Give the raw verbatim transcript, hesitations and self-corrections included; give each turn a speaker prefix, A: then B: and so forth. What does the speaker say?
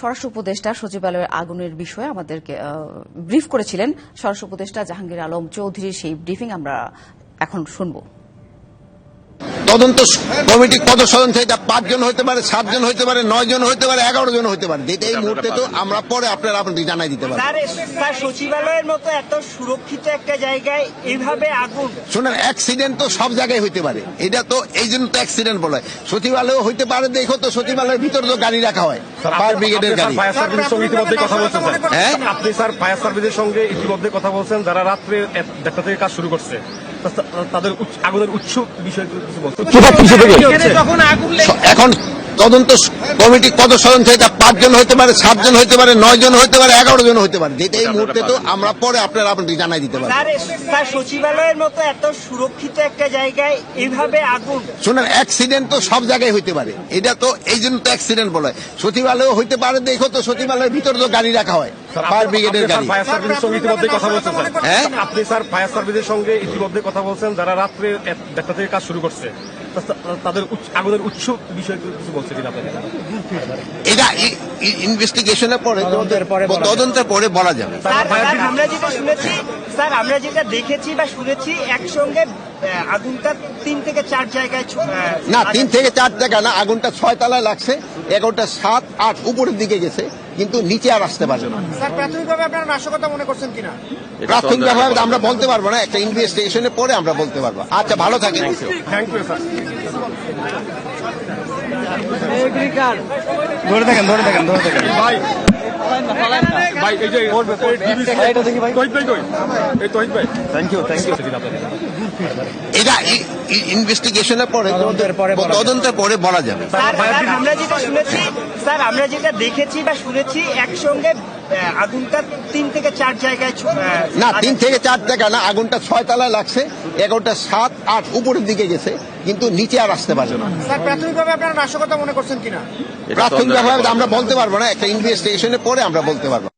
A: স্বরাষ্ট্র উপদেষ্টা সচিবালয়ের আগুনের বিষয়ে আমাদেরকে ব্রিফ করেছিলেন স্বরাষ্ট্র উপদেষ্টা জাহাঙ্গীর আলম চৌধুরীর। সেই ব্রিফিং আমরা এখন শুনব।
B: তদন্ত কমিটি কত সদস্য? এটা পাঁচজন হতে পারে, সাতজন হতে পারে, নয় জন হতে পারে, এগারো জন হতে পারে। যেটা এই মুহূর্তে তো আমরা পরে আপনারা আপনাদের জানাই দিতে পারি।
C: স্যার, সচিবালয়ের মতো এত সুরক্ষিত একটা জায়গায় এইভাবে আগুন,
B: শোনেন, অ্যাক্সিডেন্ট তো সব জায়গায় হইতে পারে। এটা তো এই জন্য তো অ্যাক্সিডেন্ট বলে। সচিবালয় হইতে পারে, দেখো তো সচিবালয়ের ভিতরে তো গাড়ি রাখা হয়, ফায়ার ব্রিগেডের গাড়ি।
D: ফায়ার সার্ভিসের সঙ্গে ইতিমধ্যে কথা বলছেন
B: হ্যাঁ,
D: আপনি স্যার ফায়ার সার্ভিসের সঙ্গে ইতিমধ্যে কথা বলছেন, যারা রাত্রে দেড়টা থেকে কাজ শুরু করছে, তাদের আগুনের উৎস বিষয়ে কিছু বলছেন।
B: এখন তদন্ত কমিটি কত সদস্য? এটা পাঁচজন হতে পারে, সাতজন হতে পারে, নয় জন হতে পারে, এগারো জন হতে পারে। যেটা এই মুহূর্তে তো আমরা পরে আপনারা আপনাদের জানাই দিতে পারি।
C: স্যার, সচিবালয়ের মতো এত সুরক্ষিত একটা জায়গায় এইভাবে আগুন,
B: শোনেন, অ্যাক্সিডেন্ট তো সব জায়গায় হইতে পারে। এটা তো এই জন্য তো অ্যাক্সিডেন্ট বলে। সচিবালয় হইতে পারে, দেখো তো সচিবালয়ের ভিতরে তো গাড়ি রাখা হয়, ফায়ার ব্রিগেডের গাড়ি।
D: ফায়ার সার্ভিসের সঙ্গে ইতিমধ্যে কথা বলছেন
B: হ্যাঁ,
D: আপনি স্যার ফায়ার সার্ভিসের সঙ্গে ইতিমধ্যে কথা বলছেন, যারা রাত্রে দেড়টা থেকে কাজ শুরু করছে, তাদের আগুনের উৎস বিষয়ে কিছু বলছেন কিনা আপনাদের?
B: এটা ইনভেস্টিগেশনের পরে, তদন্তের পরে বলা যাবে।
C: স্যার, আমরা যেটা শুনেছি, স্যার আমরা যেটা দেখেছি বা শুনেছি, একসঙ্গে আগুনটা তিন থেকে চার জায়গায়,
B: না তিন থেকে চার জায়গা না, আগুনটা ছয় তলায় লাগছে, এগারোটা সাত আট উপরের দিকে গেছে, কিন্তু নিচে আর আসতে পারবে না।
C: স্যার, প্রাথমিকভাবে আপনারা নাশকতা মনে করছেন কিনা?
B: প্রাথমিকভাবে আমরা বলতে পারবো না, একটা ইনভেস্টিগেশনের পরে আমরা বলতে পারবো। আচ্ছা, ভালো থাকেন।
D: Thank you sir.
E: ধরে থাকেন ধরে থাকেন ধরে থাকেন
D: ভাই ভাই এই যে তহিদ ভাই কই? এই তহিদ ভাই,
E: থ্যাংক ইউ থ্যাংক ইউ
B: এটা ইনভেস্টিগেশনের পরে, তদন্তের পরে বলা যাবে।
C: স্যার, আমরা যেটা শুনেছি, স্যার আমরা যেটা দেখেছি বা শুনেছি, একসঙ্গে আগুনটা তিন থেকে চার জায়গায়,
B: না তিন থেকে চার জায়গা না, আগুনটা ছয় তলায় লাগছে, এগারোটা সাত আট উপরের দিকে গেছে, কিন্তু নিচে আর আসতে পারবে না।
C: স্যার, প্রাথমিকভাবে আপনারা নাশকতা মনে করছেন কিনা?
B: প্রাথমিকভাবে আমরা বলতে পারবো না, একটা ইনভেস্টিগেশনের পরে আমরা বলতে পারবো।